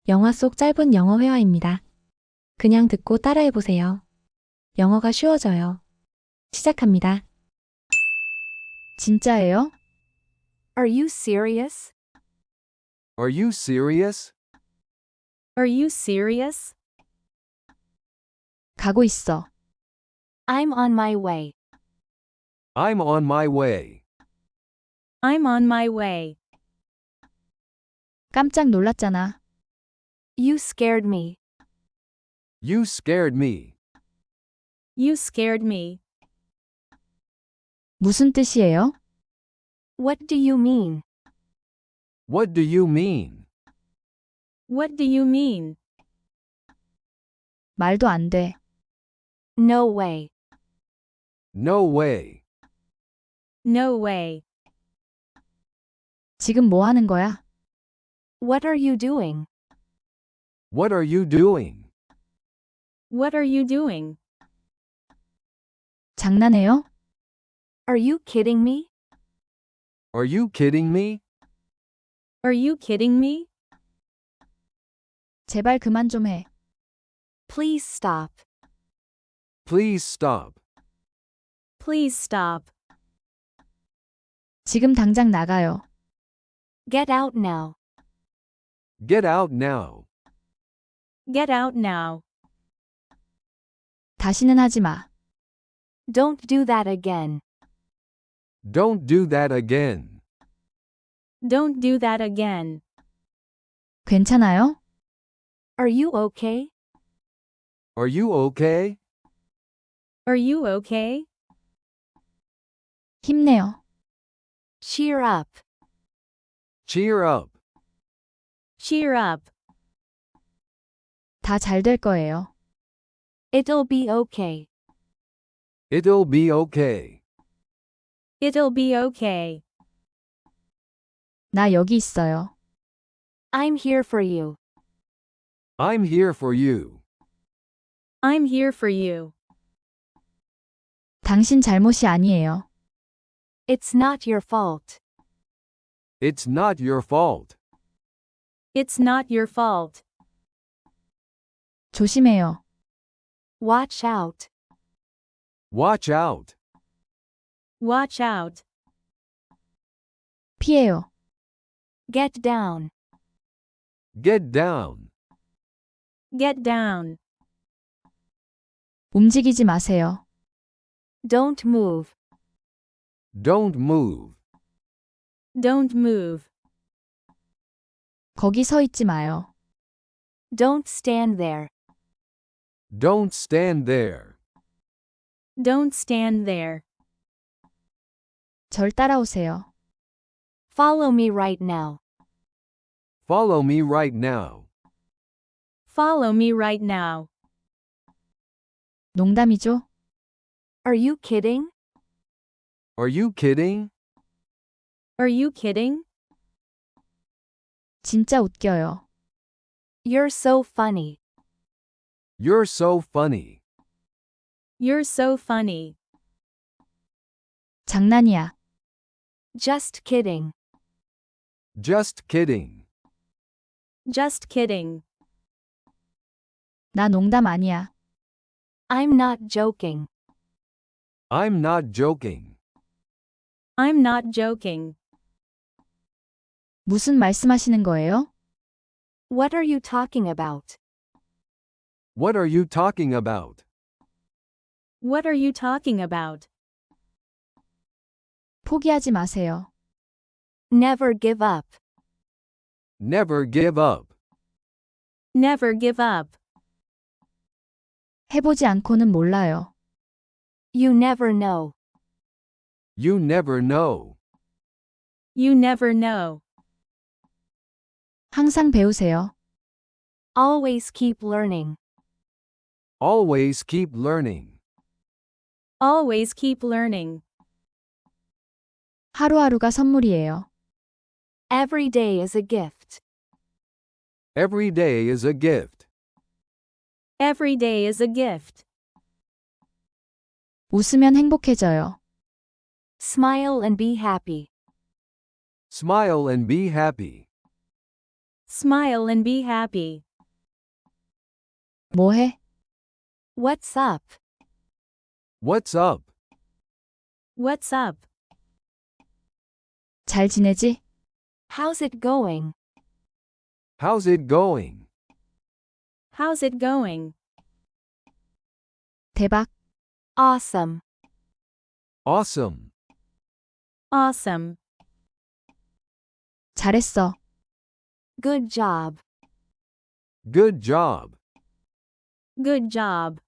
영화 속 짧은 영어 회화입니다. 그냥 듣고 따라해보세요. 영어가 쉬워져요. 시작합니다. 진짜예요? Are you serious? Are you serious? Are you serious? 가고 있어. I'm on my way. I'm on my way. I'm on my way. 깜짝 놀랐잖아. You scared me. You scared me. You scared me. 무슨 뜻이에요? What do you mean? What do you mean? What do you mean? 말도 안 돼. No way. No way. No way. 지금 뭐 하는 거야? What are you doing? What are you doing? What are you doing? 장난해요? Are you kidding me? Are you kidding me? Are you kidding me? 제발 그만 좀 해. Please stop. Please stop. Please stop. 지금 당장 나가요. Get out now. Get out now. Get out now. 다시는 하지 마. Don't do that again. Don't do that again. Don't do that again. 괜찮아요? Are you okay? Are you okay? Are you okay? 힘내요. Cheer up. Cheer up. Cheer up. 다 잘 될 거예요. It'll be okay. It'll be okay. It'll be okay. 나 여기 있어요. I'm here for you. I'm here for you. I'm here for you. 당신 잘못이 아니에요. It's not your fault. It's not your fault. It's not your fault. 조심해요. Watch out. Watch out. Watch out. 피해요. Get down. Get down. Get down. 움직이지 마세요. Don't move. Don't move. Don't move. 거기 서 있지 마요. Don't stand there. Don't stand there. Don't stand there. 절 따라오세요. Follow me right now. Follow me right now. Follow me right now. 농담이죠? Are you kidding? Are you kidding? Are you kidding? 진짜 웃겨요. You're so funny. You're so funny. You're so funny. 장난이야. Just kidding. Just kidding. Just kidding. 나 농담 아니야. I'm not joking. I'm not joking. I'm not joking. 무슨 말씀하시는 거예요? What are you talking about? What are you talking about? What are you talking about? 포기하지 마세요. Never give up. Never give up. Never give up. 해보지 않고는 몰라요. You never know. You never know. You never know. 항상 배우세요. Always keep learning. Always keep learning. Always keep learning. 하루하루가 선물이에요. Every day is a gift. Every day is a gift. Every day is a gift. 웃으면 행복해져요. Smile and be happy. Smile and be happy. Smile and be happy. 뭐해? What's up? What's up? What's up? 잘 지내지? How's it going? How's it going? How's it going? 대박. Awesome. Awesome. Awesome. 잘했어. Good job. Good job. Good job.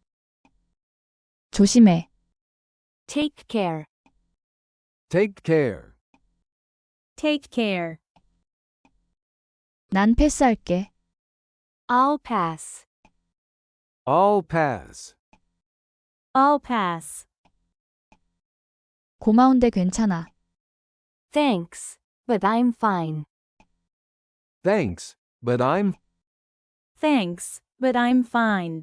조심해. Take care. Take care. Take care. 난 패스할게. I'll pass. I'll pass. I'll pass. 고마운데 괜찮아. Thanks, but I'm fine. Thanks, but I'm Thanks, but I'm fine.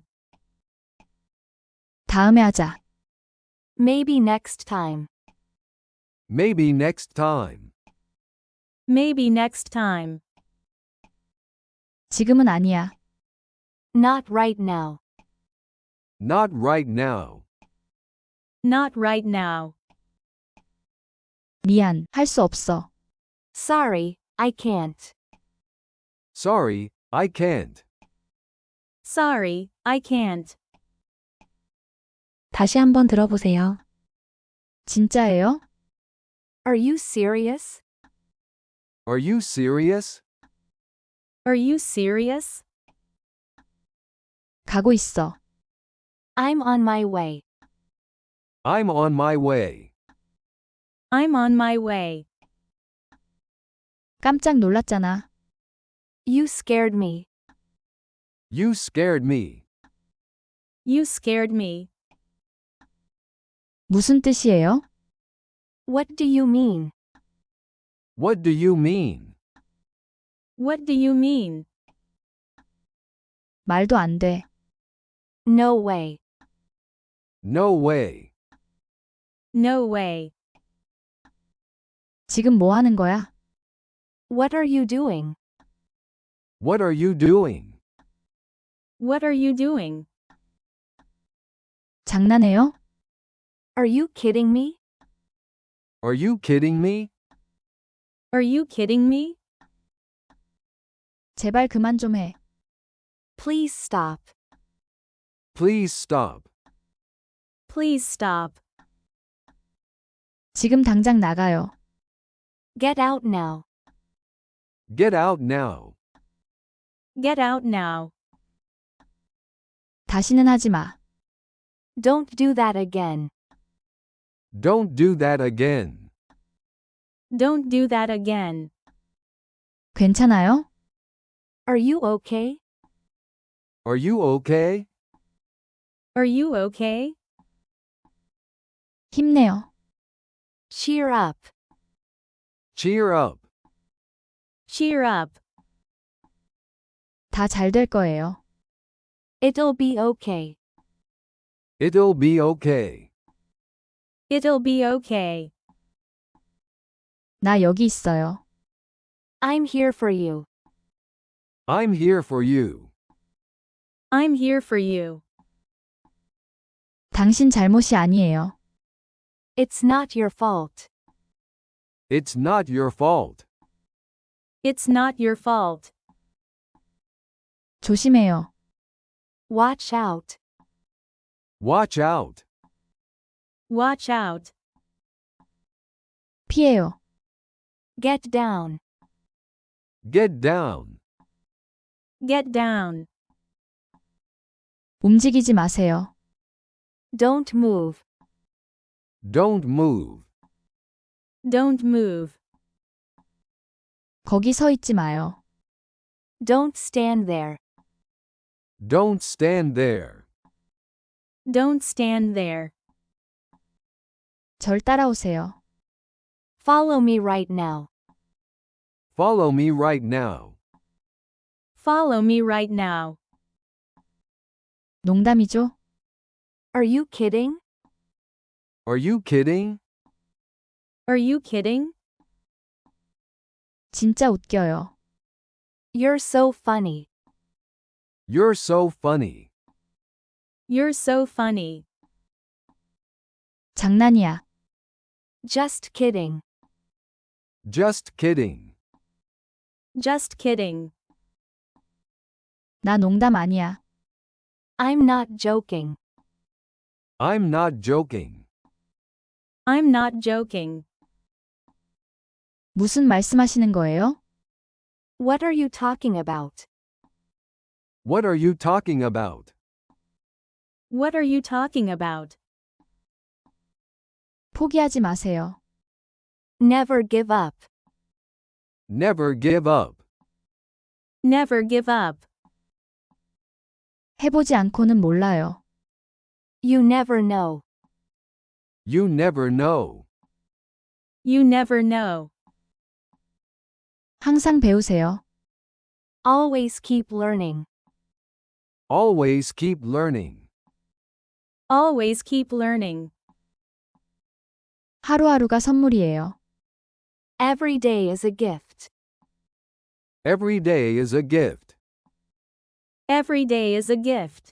다음에 하자. Maybe next time. maybe next time. Maybe next time. 지금은 아니야. Not right now. Not right now. Not right now. 미안, 할 수 없어. Sorry, I can't. Sorry, I can't. Sorry, I can't. 다시 한번 들어보세요. 진짜예요? Are you serious? Are you serious? Are you serious? 가고 있어. I'm on my way. I'm on my way. I'm on my way. 깜짝 놀랐잖아. You scared me. You scared me. You scared me. 무슨 뜻이에요? What do you mean? What do you mean? What do you mean? 말도 안 돼. No way. No way. No way. 지금 뭐 하는 거야? What are you doing? What are you doing? What are you doing? 장난해요? Are you kidding me? Are you kidding me? Are you kidding me? 제발 그만 좀 해. Please stop. Please stop. Please stop. 지금 당장 나가요. Get out now. Get out now. Get out now. 다시는 하지 마. Don't do that again. Don't do that again. Don't do that again. 괜찮아요? Are you okay? Are you okay? Are you okay? 힘내요. Cheer up. Cheer up. Cheer up. 다 잘 될 거예요. It'll be okay. It'll be okay. It'll be okay. 나 여기 있어요. I'm here for you. I'm here for you. I'm here for you. 당신 잘못이 아니에요. It's not your fault. It's not your fault. It's not your fault. 조심해요. Watch out. Watch out. Watch out. 피해요. Get down. Get down. Get down. 움직이지 마세요. Don't move. Don't move. Don't move. 거기 서 있지 마요. Don't stand there. Don't stand there. Don't stand there. 절 따라오세요. Follow me right now. Follow me right now. Follow me right now. 농담이죠? Are you kidding? Are you kidding? Are you kidding? 진짜 웃겨요. You're so funny. You're so funny. You're so funny. 장난이야. Just kidding. Just kidding. Just kidding. 나 농담 아니야. I'm not joking. I'm not joking. I'm not joking. 무슨 말씀하시는 거예요? What are you talking about? What are you talking about? What are you talking about? 포기하지 마세요. Never give up. Never give up. Never give up. 해보지 않고는 몰라요. You never know. You never know. You never know. 항상 배우세요. Always keep learning. Always keep learning. Always keep learning. 하루하루가 선물이에요. Every day is a gift. Every day is a gift. Every day is a gift.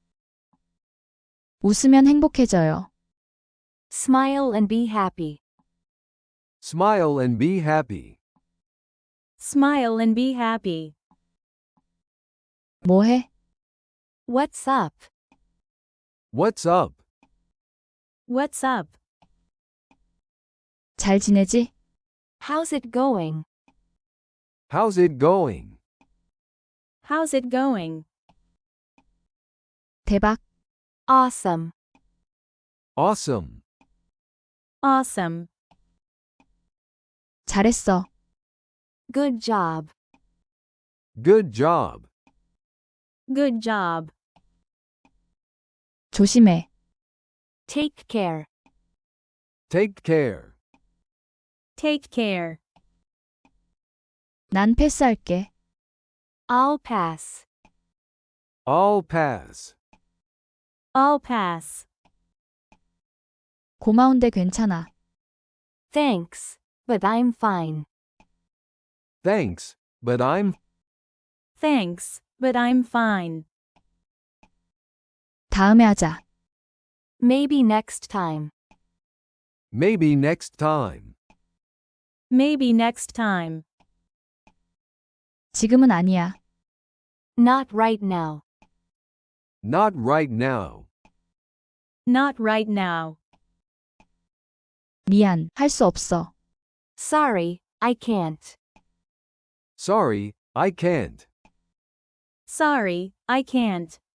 웃으면 행복해져요. Smile and be happy. Smile and be happy. Smile and be happy. 뭐해? What's up? What's up? What's up? 잘 지내지? How's it going? How's it going? How's it going? 대박. Awesome. Awesome. Awesome. 잘했어. Good job. Good job. Good job. 조심해. Take care. Take care. Take care. 난 패스할게. I'll pass. I'll pass. I'll pass. 고마운데 괜찮아. Thanks, but I'm fine. Thanks, but I'm Thanks, but I'm fine. 다음에 하자. Maybe next time. maybe next time. Maybe next time. 지금은 아니야. Not right now. Not right now. Not right now. 미안, 할 수 없어. Sorry, I can't. Sorry, I can't. Sorry, I can't.